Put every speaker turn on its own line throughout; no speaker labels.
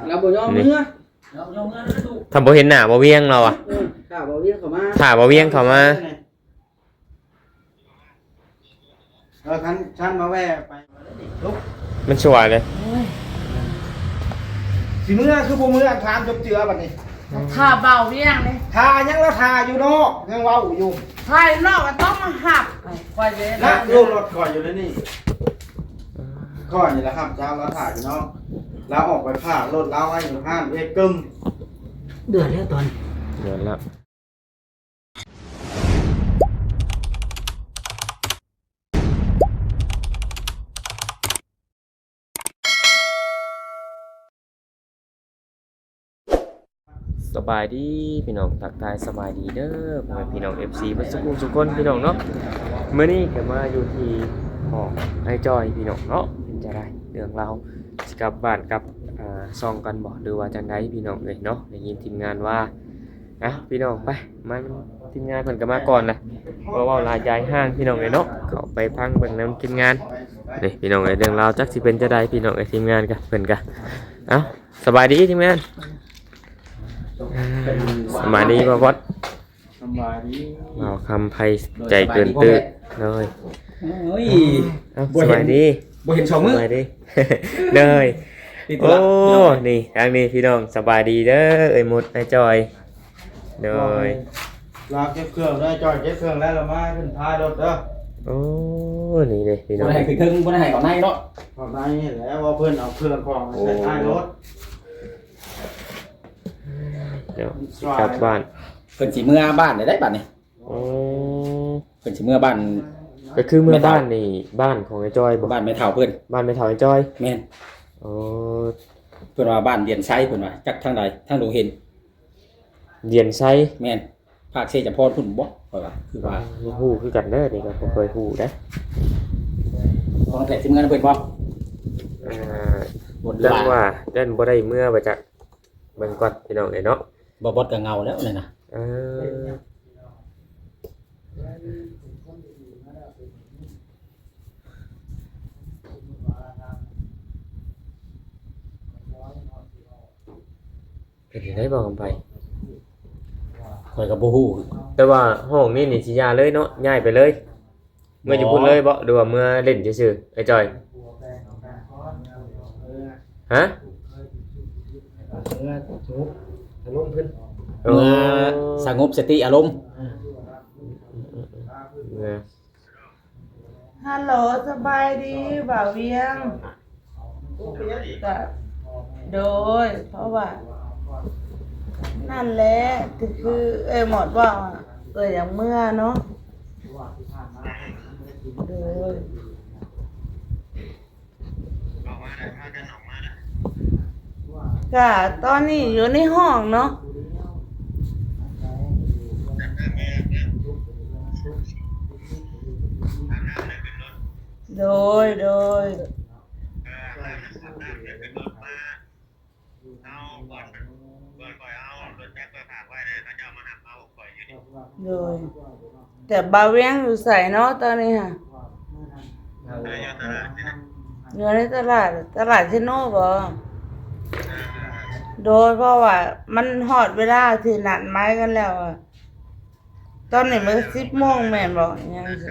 เราบ่ยอมเมื่อ
ทำบ่เห็นหน้าบ่เวียงเราอ่ะ
ถ้าบ่เวียงเข้ามา
ถ้าบ่เวียงเข้ามา
คันมาแว่ไปลุก
มันชัวร์เลย
สิเมื่อคือบ่เมื่อถามจบเจือบัดนี้
ถ้าเบาเวียงเลย
ทายังแล้วทาอยู่นอกยังเว้าอยู่
ทายนอกก็ต้องมาหับคอยเลย
นะลูกรถคอยอยู่ในนี่คอยนี่แหละครับเจ้าแล้วถ่ายอยู่นอกแล้วออกไปผ่ารถแล้วไว้อยู่ห้างเอกึม
เดือดแล้วตอน
เดือดแล้วสบายดีพี่น้องทักทายสบายดีเด้อพ่อแม่พี่น้อง FC เพิ่นสุขคนพี่น้องเนาะมื้อนี้ก็มาอยู่ที่ห้องไอ้จอยพี่น้องเนาะเป็นจะได้เรื่องราวสิกลับบ้านกับซองกันบ่หรือว่าจังไดพี่น้องเอ้ยเนาะได้ยินทีมงานว่าพี่น้องไปมาทีมงานเพิ่นก็มาก่อนนะเพราะว่าลายายห้างพี่น้องเอ้ยเนาะเข้าไปพังเบิ่งนำทีมงานนี่พี่น้องเอ้ยเรื่องราวจักสิเป็นจะได้พี่น้องเอ้ยทีมงานกันเพิ่นก็สบายดีทีมงานสบายดีบ่วัด
สบายดี
เอาคำไพ่ใจเกินตื้อเลยสบายดี
บ่เห็น2มื้อ
สบายดีเลยโอ้นี่ทางนี้พี่น้องสบายดีเด้อเอ้ยมุดไอ้จอยเลย
ลาเก็บเครื่องได้จอยเก็บเครื่องแล้วละมาขึ้นท้ายรถเด้อ
โอ้นี่เลยพี่น้อง
บ่ได้ให้ถึงบ่ได้ให้ก่อนในเนาะก่อนในแล้วว่าเพิ่นเอาเครื่องของมาใส่ท้ายรถ
เดี๋ยวกลับบ้าน
เพิ่นสิเมื่อบ้านได้บัดนี้เพิ่นสิเมื่อบ้าน
ก็คือเมื่อบ้านนี่บ้านของไอ้จอย
บ้านแม่เฒ่าเพิ่น
บ้านแม่เฒ่าไอ้จอย
แม่น
โอ้
เพิ่นว่าบ้านเดียนไซเพิ่นว่าจักทางใดทางดงเห็น
เดียนไซ
แม่นภาคเสจพรพุ่นบ่ค่อยว่าคือว่า
ฮู้คือกันเด้อนี่ก็บ่เคยฮู้เด้
ของแต่สิเมื่อเพิ่นบ่
เรื่องว่าเดินบ่ได้เมื่อไปจากเบิ่งก่อนพี่น้องเอ้ยเนาะ
บ่บดก็เงาแล้วนี่นะ
เป็นได้บ่กันไป
ข่อยก็บ่ฮู้
แต่ว่าห้องนี้นี่สิย้ายเลยเนาะย้ายไปเลยเมื่ออยู่พุ่นเลยบ่หรือว่าเมื่อเล่นซื่อๆไอ้จอยฮะ
เมื่อสงบสติอารมณ์
ฮัลโหลสบายดีบ่าวเวียงโดยเพราะว่านั่นแหละคือหมดว่าอย่างเมื่อเนาะโดยก็ตอนนี้อยู่ในห้องเนาะโดยแต่บาเวียงอยู่ใส่เนาะตอนนี้ค่ะอยู่ในตลาดเชโน่บ่โดยเพราะว่ามันหอดเวลาที่นัดไม้กันแล้วอ่ะตอนนี้มัน10 โมงแม่นบ่ยังสิ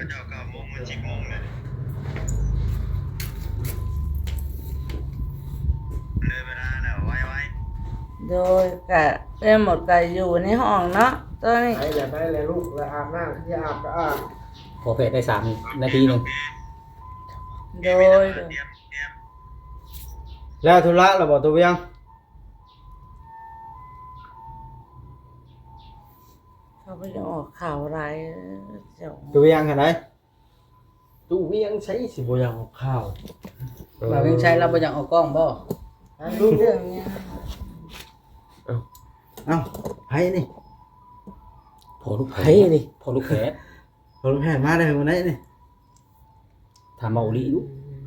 โดยก็หมดก็อยู่ในห้องเนาะตอนนี้
ไปเลยลูกแล้วอาบน้ำที่อาบก็อาบ
พอเพจได้3 นาทีนึง
โดย
แล้วธุระเราบ่ตัวเวียง
เขาไปออกข่าวอะไร
ตัวเวียงเห็นไหมตัวเวียงใช้สิบ่ยังออกข่าว
บ่าวเวียงใช้เราบ่ยังออกกล้องบ่
รู้เรื่องเนี้ย
ไผ่นี่
พอลูกแผล
มาได้วันไหนนี่
ถามมาอุลิลูก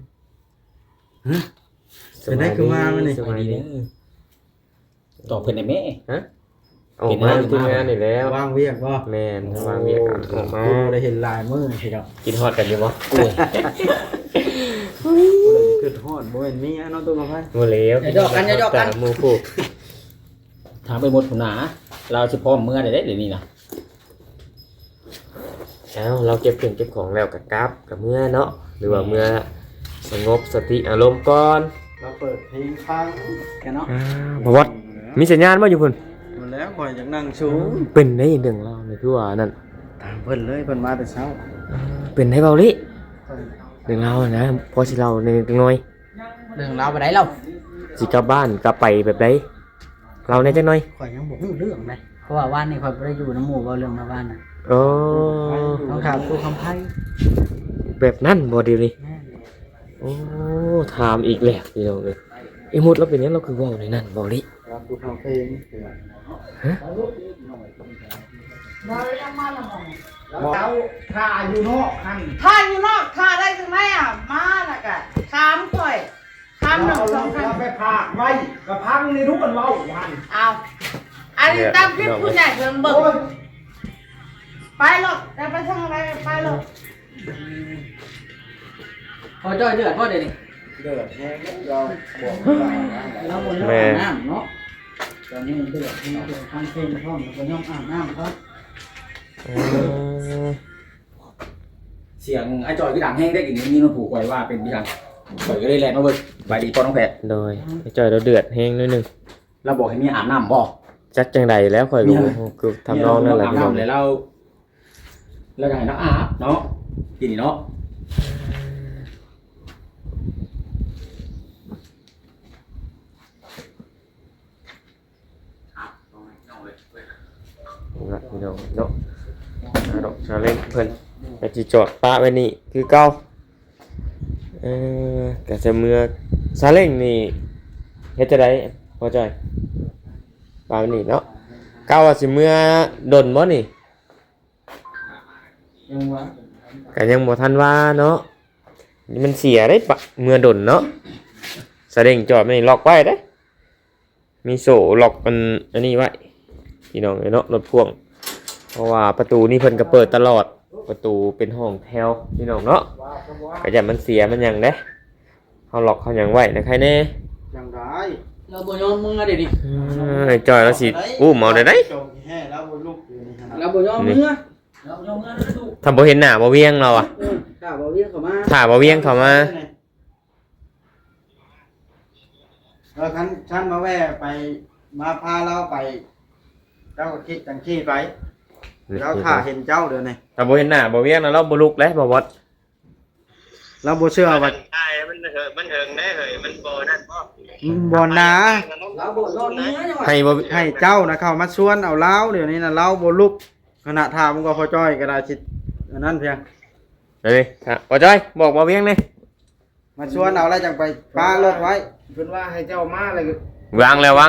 เป็นได้คือมาวันนี้
สบายดีเด้อตอบเพิ่นได้แม่
ออกมาทีมงานนี่แล้ว
วางเวียกบ่
แม่นวางเวียกออกมา
ได้เห็นลายมือสิครับ
กินฮอดกันอยู่บ่
โอ้ยคือทอดบ่เห็นมีเนาะตัวกระไพ
บ่แล้ว
อย่าหยอกกันอย่าหยอกกัน
แต่หมู่คู่
ถามไปหมดพุ่นน่ะเราสิพร้อมเมื่อได้เดี๋ยวนี้นะ
เอ้าเราเก็บเครื่องเก็บของแล้วก็กลับกับเมื่อเนาะหรือว่าเมื่อสงบสติอารมณ์ก่อน
เราเปิดเพลงฟัง
กันเนาะ
บ่วัดมีสัญญาณบ่อยู่พุ่น
มาแล้วข่อยอยากนั่งชู
เป็นได้เรื่องเรานี่คือว่านั่น
ตามเพิ่นเลยเพิ่นมาแต่เช้า
เป็นให้เบาลิเรื่องเรานะพอสิเราในจังหน่อย
เรื่องราวไปไหนเรา
สิกลับบ้านกลับไปแบบใดเราในจังหน่อย
ข่อยยังบ่รู้เรื่องเลยเพราะว่าว่านนี่ข่อยบ่ได้อยู่น้ำหมู่เว้าเรื่องมาว่านน่ะ
โอ้
ต้องถามครูคำไผ
แบบนั้นบ่ดีเลย
แม่น
โอ้ถามอีกแล้วพี่น้องเอ้ยไอ้หมดเราเป็นหยังเราคือเว้าในนั้นเบาลิ
รับดูฟังเพลง
เรายังมาละบ่
เราถ่าอยู่นอกหัน
ถ้าอยู่นอกถ้าได้จังไดอ่ะมาน่ะก็ถามข่อยถามหนึ่งสองคำ
ไปพากไว้กระพังนี่ทุกคนเว้าหัน
เอาอันนี้ตามคลิปผู้ใหญ่เพิ่นเบิ่งไปหรอกจะไปทางอะไรไปหรอก
พอจ้อยเดือดพอเดี๋ยวนี้
เดือดแห้งเราบอกว่า
เราบ่ยอมอาบน้ำเนาะตอนนี้เดือดนี่เดือดทำเพลงพร้อมแล้วก็ยอมอาบน้ำครับ
เสียงไอ้จอยที่ดังแห้งได้กินนี่มันผูกไว้ว่าเป็นพี่ทางข่อยก็เลยแลนมาเบิ่งใบดีปอน้องแพทย์
โดยไอ้จ้อยเราเดือดแห้งนิดนึง
เราบอกให้มีอาบน้ำบ่
จักจังใดแล้วข่อยก็คือทำนองนั่นแหละ
อาบ
พี่น้อง
น้ำเลยเราจะให้น้องอาบเนาะกินนี่เนาะ
ละพี่น้องเนาะดอกชาเล่นเพิ่นก็สิจอดป้าไว้นี่คือเก่าก็จะเมื่อซาเล้งนี่เฮ็ดจะได้พอใจป้าไว้นี่เนาะเก่าว่าสิเมื่อดนบ่นี่
ยังว่า
ก็ยังบ่ทันว่าเนาะนี่มันเสียได้ปะเมื่อดนเนาะซาเล้งจอดไม่ล็อกไว้เด้มีโซ่ล็อกอันนี้ไว้พี่น้องเนาะรถพ่วงเพราะว่าประตูนี่เพิ่นก็เปิดตลอดประตูเป็นห้องแถวพี่น้องเนาะก็อย่ามันเสียมันหยังเด้เฮาล็อกเฮาหยังไว้นะใครแน่
อย่างไร
เราบ่ยอมมึงอะเดี๋ยวนี้
จอยแล้วสิอู้เมาได้ได
จงแห่แล้วบ่ลุกอยู่นี่ขนาด
เราบ่ยอมมึงอะเราบ่ยอมมึงอะดู
ถ้าบ่เห็นหน้าบ่เวียงเราอ่ะ
ถ้าบ่เรียกเข้ามา
ถ้าบ่เวียงเข้ามา
ฉันมาแว่ไปมาพาเราไปเจ้าก็คิดจังขี้ไปเราถ่าเห็นเจ้าเดี๋ยวนี้
ถ้าบ่เห็นหน้าบ่เวียงแล้วเราบ่ลุกแล้วบ่วัด
เราบ่เชื่อว่า
ใช่มันเหิงได้เหยมันโบนั่นบ่
บ่นะ
เราบ่ยอมมึงอะจังหวะ
ให้บ่
ให้เจ้านะเข้ามาชวนเอาเล้าเดี๋ยวนี้นะเล้าบ่ลุกขณะถามก็พอจ้อยก็ได้สิอันนั้นเพียง
นี่ครับบ่จอยบอกบ่เวียงนี่
มาชวนเอาแล้วจังไปป้ารถไว้
เพิ่นว่าให้เจ้ามาเลย
วางแล้ว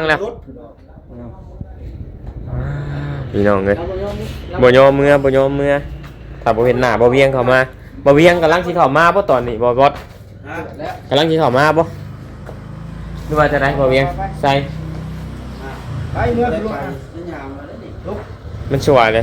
พี่น้องเอ้ย
เราบ่ยอมมึง
บ่ยอมเมื่อถ้าบ่เห็นหน้าบ่เวียงเข้ามาบ่เวียงกำลังสิเข้ามาบ่ตอนนี้บ่วัด
แล้ว
กำลังสิเข้ามาบ่หรือว่าจะได้บ่เวียงใส่
ไปเมื่อลุกนี่ยามมาแล้วนี่ลุก
มันสวยเลย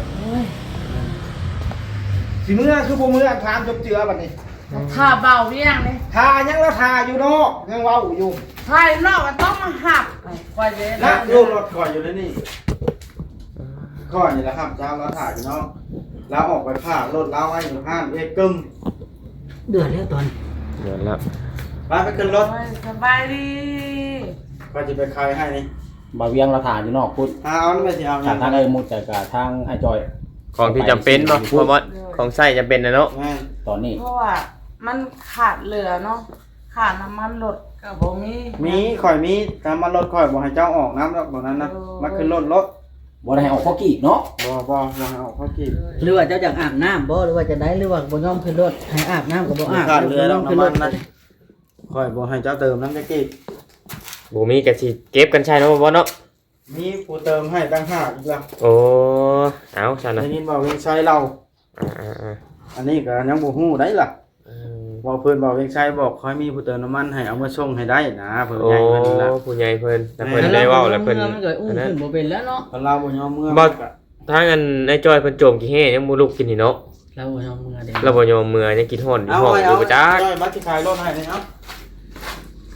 สิเมื่อคือบ่เมื่อถามจบเจือบัดนี้
ถ้าเบาเวียงนี่
ทายังแล้วทาอยู่นอกยังเว้าอยู่
ถ้าอยู่นอกก็ต้องมาหับข่อยเลย
นะ
นะ
ลูกรถคอยอยู่ในนี่คอยนี่แหละครับเจ้าเราถ่ายอยู่เนาะแล้วออกไปพารถเล้าไว้อยู่ห้านเอกกึม
เดือดแล้วตอน
เดี๋ยวละ
ไปขึ้นรถ
โอ้ยสบายดี
ก็จะไปคายให้นี่
บ่เวียงเราถ่าอยู่นอกพุทธ
เอานี่ไปสิเอา
จากทางไอ้มุดจากทางไอ้จอย
ของที่จำเป็นบ่บ่วัดของใช้จำเป็นนะเนาะ
แม่
ตอนนี้
เพราะว่ามันขาดเหลือเนาะขาดน้ำมันรถก็บ่มี
มีข่อยมีตามมารถข่อยบอกให้เจ้าออกน้ำแล้วตรงนั้นนะมาขึ้นรถ
บ่ได้ให้ออกข้อกีกเนาะ
บ่ให้ออกเขากี่
หรือว่าเจ้าอยากอาบน้ำบ่หรือว่าจะได้หรือว่าบ่ยอมขึ้นรถให้อาบน้ำก็บ่อาบ
ขาดเรือ
บ่ย
แล้
อ
ว
มขึ้น
น้ำ
ร
มัน
ถ
นะข่อยบอกให้เจ้าเติมน้ำจะกี่
บ่มีก็สิเก็บกันใช้เนาะบ่บ่เนาะ
มีผู้เติมให้ตั้ง5อีกแล้ว
โอ้เอาซั่นน่ะ
ได้ยินบอกเวียงชัยเรา
อ่า
อันนี้ก็ยังบ่ฮู้ได้ล่ะ
ๆ
บอกเพิ่นบอกเวียงชัยบอกขอให้มีผู้เติมน้ำมันให้เอามาส่งให้ได้นะเพิ่น
โอ้
ใหญ่เพิ่นละ
ผู้ใหญ่เพิ่นแต่เพิ่นได้เว้าแล้วเพิ่น
มันก็อุ้มขึ้นบ่เป็นแล้วเนาะ
คนเราบ่ยอมเมื่อ
บ่ ทางอันไอ้จอยเพิ่นโจมกี่แห่ยังบ่ลุกกินนี่เนาะ
เราบ่ยอมมือเด้
เราบ่ยอมเมื่อยังกินฮ้อนอยู่
เอา
ห้อง
ไว้
อ
เอา
ยู่บ่จัก
จ้อยบัตรที่ขายรถให้นี่เอา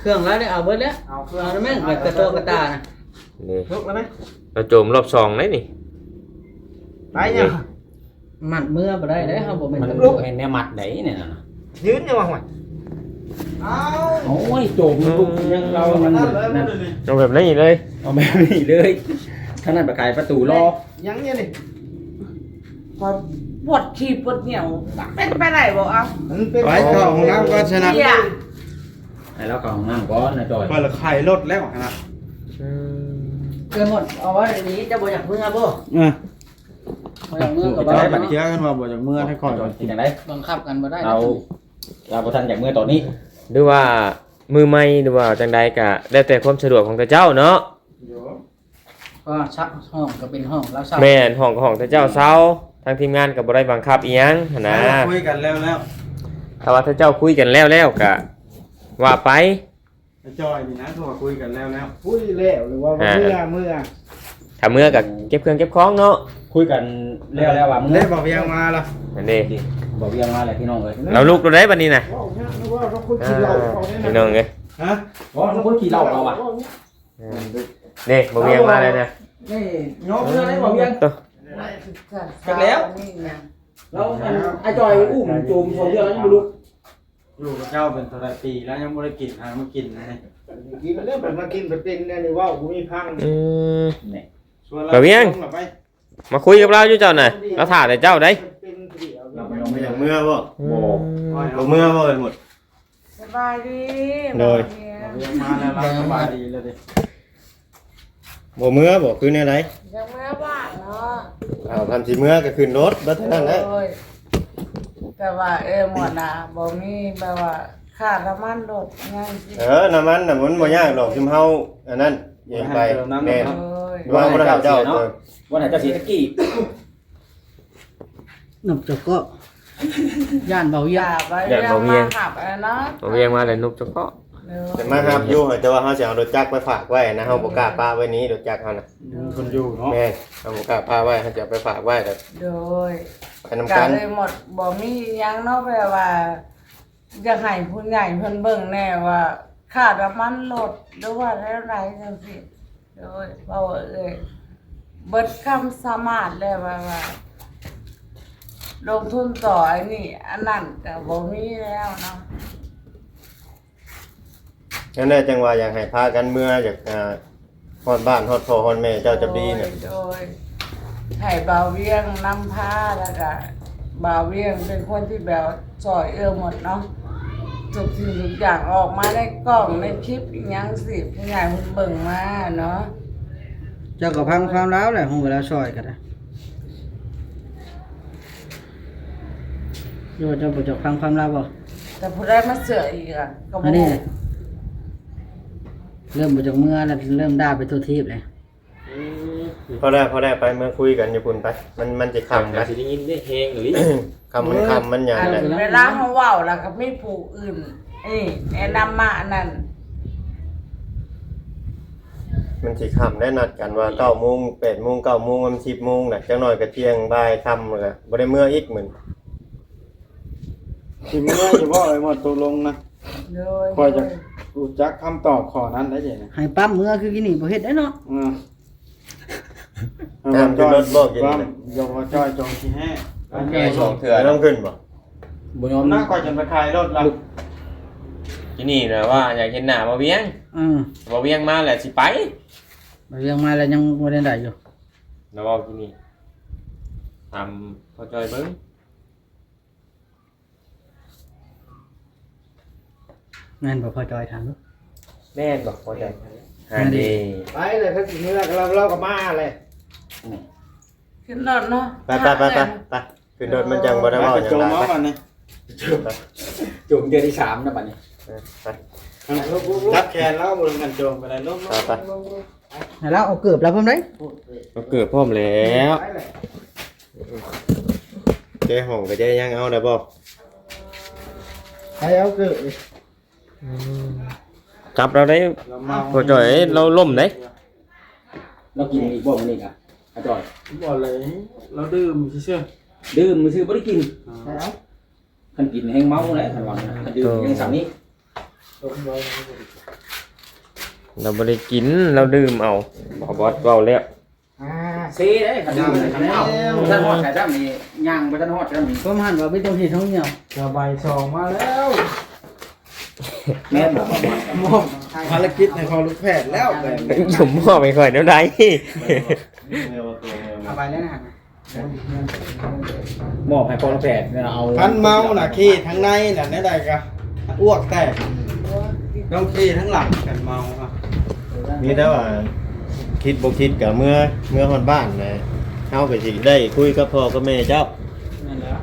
เครื่องแล้วได้เอาเบิดแล้ว
เอาเครื่อง
เอาได้ไหมแบบกระโตกระตานะ
นี่
ลุกแล้วไหม
เราโจมรอบสองได้นี่
ไปเนี่ย
มัดมือบ่ได้เด้เฮาบ่แม่น
มัน
ตำร
ลู
ว
ก
จ
เห็นแนวมัดได้เนี่ยนะ
ยืนยังวะห่วยเอา
โอ้ยโจมลูกยังเรามันนั่น
เอาแบบนี้เลย
เอาแบบนี้เลยท่านนั้นประกายประตูรอ
ยังเนี่ยนี่
พอปวดขี้ปวดเหนียวเป็นไปไหนบอกเอา
มันเป็นไปต่อของน้ำก็ชนะ
เหี้ย
ให้เราเข้าห้องน้ำก่อนนะจอย
เปิดไข่รถแล้วนะ
เกินหมดเอาไว้อย่างนี้จะบ่อยากเมื่อบ่
เออ
บ่อยากเมื่อก็บ่
จะ
ได้
ได้บัตร
เนาะ
เชื้อกันว่าบ่จากเมื่อให้คอย
จอยกินอย่างไร
บังคับกันบ่ได้
เราประทันจากเมื่อตอนนี้
หรือว่ามือใหม่หรือว่าจังใดก็แล้วแต่ความสะดวกของแต่เจ้าเนาะ
ก็ชักห้องก็เป็นห้องแล้วเช่า
แม่นห้องก็ห้องแต่เจ้าเซาทางทีมงานก็บ่ได้บังคับอีหยังหันนะ
คุยกันแล้ว
ถ้าว่าถ้าเจ้าคุยกันแล้วก็ว่าไป
จอยนี่นะโทรคุยกันแล้วคุยแล้วหรือว่าเมื่อ
ถ้าเมื่อก็เก็บเครื่องเก็บของเนาะ
คุยกันแล้วว่ามึง
เล่บอกยังมาละ
นั่นเด้
บอกเรียงมาเลยพี่น้องเลย
เราลุกเราได้บัดนี้น่ะ
ว่าเราคุย
อ่
กินเหล้า
าพี่น้องเอ้ย
ฮะ
เพราะคนขี่เหล้าเราอ่ะ
นี่บ่เวียงมาเลยนะ
นี่ย้อมเรื่องอะไรบอกเรียง
ตัว
จากแล้ว
นี่ไง
แล้วไอ้จอยอุ้มจูมชมเรื่องนั้นไม่รู้
อยู่กับเจ้าเป็นตัวปีแล้วยังไม่ได้กินมากินนะ
กินเรื่องแบบมากินแบบเป็นเนี่ยนี่ว่ากูมีพัง
อืม
ไป
มาคุยกับเราอยู่เจ้าน่ะเราถ่าแต่เจ้าได้
เป็นเดี่ยว
เราไม่ลง
ไม่
ไม่
อ
ล
ย่าง งเมื่อบ่
อืม
เมื่อบ่หมด
สบายดี
โดย
ยังมาแล้วสบายดีเลยดิ
บ่เมื่อบ่คือแนวใด
ยังเมื่อบ้านเนาะ
เอาทำสิเมื่อก็ขึ้นรถบ่เท่านั้นแหละ
โอ้ยแต่ว่าหมดน่ะบ่มีแบบว่าขาดน้ำมันรถยังสิ
น้ำมันน่ะมันบ่ยากหรอกซุมเฮาอันนั้นเองไปแม่น
โอ้ย
ว่าบ่ได้เจ้า
วันไหนจะเสียตะกี้
หนุ่มจกก็ย่านเบา
อ
เยี่ย
ย่าไปเรื่องมาขับเนาะ
บ่เวียงมาเลยนุกเจ้าก็
จะมารับอยู่แต่ว่าเฮาสิเอารถจักรไปฝากไว้นะเฮาบ่กล้าปาไว้นี้รถจักรเฮาน่ะ
คนอยู่เนาะ
แม่นเฮาบ่กล้าปาไว้เฮาจะเอาไปฝากไว้แต่
โดย
ไปนำ
กา
กั
ร
น
เลยหมดบ่มีหยังเนาะแบบว่าอยากให้ผู้ใหญ่เพิ่นเบิ่งแน่ว่าขาดน้ำมันรถหรือว่าอะไรจังซี่โดยเว้าเบิดคำสามารถแล้วว่าลงทุนต่อไอ้นี่อันนั้นก็บ่มีแล้วเนาะ
นั่นแหละจังว่าอยากให้พากันเมื่ออยากฮอดบ้านฮอดพ่อฮอดแม่เจ้าจะดีเนี่ย
โดยให้บ่าวเวียงนำพาแล้วก็บ่าวเวียงเป็นคนที่แบบซอยหมดเนาะทุกสิ่งทุกอย่างออกมาในกล้องในคลิปอีหยังสิผู้ใหญ่เพิ่นเบิ่งมาเนาะ
เจ้าก็พังความร้าวแหละของเวลาซอยกันนะโยเจ้าบ่จะพังความร้าวบ่
แต่ผู้ได้มาเสืออีกอ่ะก็
อั
บ่
นนี้เริ่มบ่จากเมื่อแล้วเริ่มด่าไปทั่วทีบเลย
พอได้ไปเมื่อคุยกันอยู่พุ่นไปมันจะค่ำ
ก็
นะ
สิได้ยินได้เฮงหรือ
ค่ำมันหยัง
อัน
แหละ
เวลาเฮาเว้าแล้วก็มีผู้อื่นแนะนำมาอันนั้น
มันสิค่ำได้นัดกันว่า9:00 8:00 9:00 มัน10:00น่ะจังน้อยก็เที่ยงบ่ายค่ำแล้วก็บ่ได้เมื่ออีกมื้อ
สิเมื่ออยู่บ่ไอ้หมดตกลงนะ
โดย
คอยจะรู้จักคำตอบข้อนั้นได้ยังไง
ให้ปั๊มเมื่อคือกินนี่บ่เฮ็ดได้เนาะ
น้ำขึ้นรถบ่กิน
ว่า
นี่
ยกว่าจ้อยจงที่แห่
แก่2เทื่อ
ต้องขึ้นบ่
บุญยอม
น่าคอยจะไปขายรถละ
ที่นี่นะว่าอยากเห็นหน้าบ่เวียง บ่เวียงมาแหละสิไป
บ่ยังมาแล้วยังบ่ได้ได้อยู่
แล้วเว้าที่นี่ทำพอจอยเบิ่ง
แม่นบ่พอจอยถามดู
แม่นบ่พอใจหาดี
ไปเลยถ้าสิเมื่อเราก็มาเลย
ขึ้นรถเนาะ
ไปขึ้นรถมันจังบ่ได้เว้าหยัง
จง
ได้
มา
ไป
ก่อนนี่
จุ่มเดือนที่3นะบัดนี้
ไป
รับแขนแล้วบนกันโจงไปเลยลูก
ไป
ให้เราเอาเกือบแล้วพร้อมได้
ก็เกิดพร้อมแล้ว
เจ๊ห้องก็จะยังเอาได้บ่
ไปเอาเกือบ
จับเราได้พอจอยเราล่มได้
เรากินอีกบ่มื้อนี้กะไอ้จอย
บ่เลยเราดื่มเชื่อ
ดื่มมื้อซื้อบ่ได้กิน
ไปเอา
คันกินแห้งเมาแล้วคันว่าคันดื่มยังสั่งนี้
เราบ่ได้กินเราดื่มเอาบ่บอสเว้าแล้ว
ซีเด้คันนี้คันเอาท่านฮอดแต่จ้านี่ย่างบ่ทันฮอดจ้านี่
ผมหันว่าไม่ต้องเฮ็ดท้องเหนียว
ระบายซองมาแล้ว
แม่นบ่
มอบภารกิจในพอลูกแพทย์แล้วแบบ
ผมบ่ไปค่อยแนวใด
เอาไปแล้วนะ
มอบให้พ่อแพทย์เอา
พันเมาน่ะขี้ทั้งในน่ะแน่ใดก็อ้วกแตกต้องขี้ทั้งหลังกันเมาครับ
มีแต่ว่าคิดบ่คิดก็เมื่อฮอดบ้านนะเฮาก็สิได้คุยกับพ่อกับแม่เจ้า
นั่นแหละ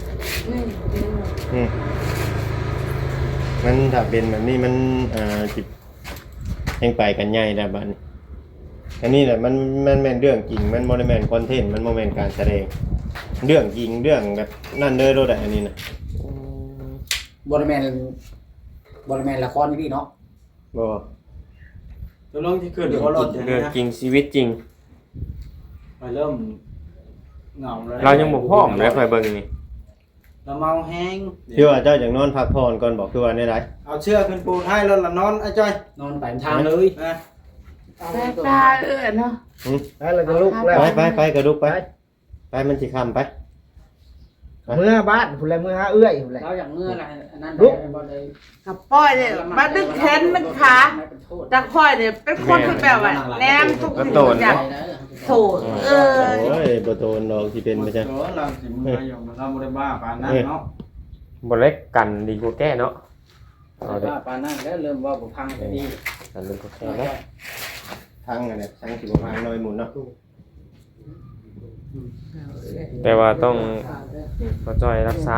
อืมมันถ้าเป็นแบบนี้มันสิแห่งไปกันใหญ่แล้วบัดนี้อันนี้แหละมันแม่นเรื่องจริงมันบ่ได้แม่นคอนเทนต์มันบ่แม่นการแสดงเรื่องจริงเรื่องแบบนั่นเลยโลดอันนี้น่ะ
บ่ได้แม่นละครนี่เนาะ
บ่
ตัวลงที่ขึ้นเดี๋ยวเขาลดอย่าง
เรื่
นี้
อง
นะ
จริงชีวิตจริง
ไปเริ่มเหงาเลย
เรายังบ่พร้อมเลยค่อยเบิ่งนี่
เราเมาแห้ง
คือว่าเจ้าอยากนอนพักผ่อนก่อนบอกคือว่าได้ไร
เอาเชือกขึ้นปูนให้แล้วละนอนไอ้จ้อย
นอนไปทางเลย
นะ
แต่ตาเนาะ
แล้วก็ลุกแล้ว
ไปกระดุกไปมันสิคำไป
เมื่อบ้านพุ่นแลเมื่อหาเอื้อยพุ่นแล
เราอย่างเมื่อไรอันนั้น
ลุก
บ่ได้
กับป้อยเนี่ยมาดึกแขนดึกขาจากป้อยเนี่ยเป็นคนที่แบบว่าแนมทุกสิ่งทุกอย่างโถเออ
โอ้ยบ่โตนดอกที่เป็นไปจ้ะ
เออเราสิมืออยู่เราบ่ได้บ้าปานนั้นเนาะ
บ่เล็กกันดีกว่าแก้เนาะเอาเด้อ
ว่าปานนั้นแล้วเริ่มว่าบ่พังก็ดี
กันดีกว่าแก้เนาะ
ทั้งอันนี้ทั้งสิบ่พังน้อยหมุนเนาะ
แต่ว่าต้องเข้าใจรักษา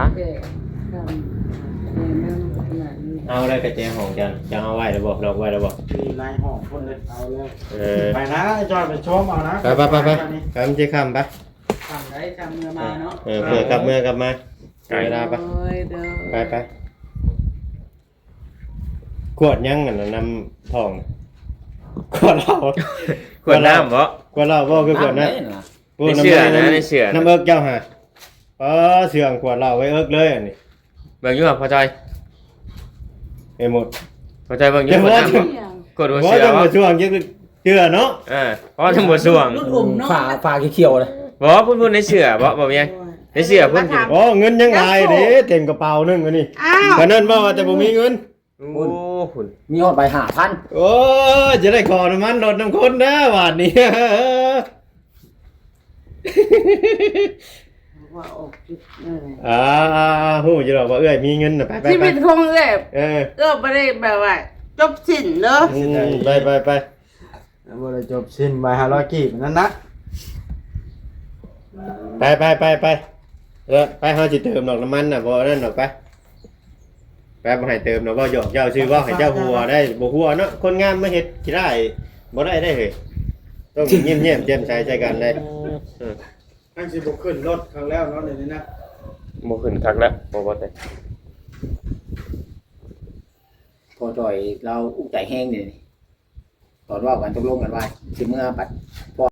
เอาอะไรกระแจห้องจันจะเอาไว้แล้วบอกดอกไว้แล้วบอก
มีนายห้องคนเลยเอาเลย
ไป
นะไอ้จ้อยไปชมเอานะ
ไปมันจะคำไป
ทำได้ทำเมื่อมาเนาะ
เพื่อกลับมาเวลาไปไปขวดยังกันนำทองขวดเหล้า
ขวดน้ำบ่
ขวดเหล้าบ่คือขวดนั้น
ในเชื่อนะในเชื่อ
น้ำเอิกเจ้าฮะเสื่องขวดเหล้าไว้เอิกเลยอันนี้
เบิ่งอยู่บ่พอใจ
ไอ้หมด
พอใจเบิ่งอยู่บ่น้ำกดบ่เชื่อ
จัง
บ่
บ่ช่วงยังเชื่อเนาะ
เพราะจังบ่ช่วง
รุ่นอมเนาะ
ฝาเขียวๆเลย
บ่พูดในเชื่อบ่มีหยังในเชื่อเพิ่นสิ
โอ้เงินยังหลายเด้เต็มกระเป๋านึงอันนี้
อ้าว
ก็นั่นว่าแต่บ่มีเงิน
โอ้คุณ
มีฮอดไป5,000
โอ้จะได้ขอน้ำมันรถน้ำคนนะบาทนี้
ว่าอกจุด
ฮู้จะบอกว่าเอ้ยมีเงินน่ะไป
ชีวิตคงเลย
เออ
ไม่ได้แบบว่าจบสิ้นเนาะ
ไป
บ่ได้จบสิ้นใบ500กีบนั่นนะ
ไปไปเฮาสิเติมดอกน้ำมันน่ะบ่นั่นดอกไปบ่ให้เติมดอกบ่หยอกเจ้าชื่อว่าให้เจ้าหัวได้บ่หัวเนาะคนงามมาเฮ็ดสิได้บ่ได้เฮ้ยต้องเงียบๆแจ่มใสใจกันได้
ทั้งสิบ่ขึ้นรถครั้งแล้วเนาะเดี๋ยวนี้นะ
บ่ขึ้นคักแล้วบ่ได้
พอจ่อยเราอุกใจแห้งนี่ตอนว่ากันตกลงกันว่าสิเมื่อปัด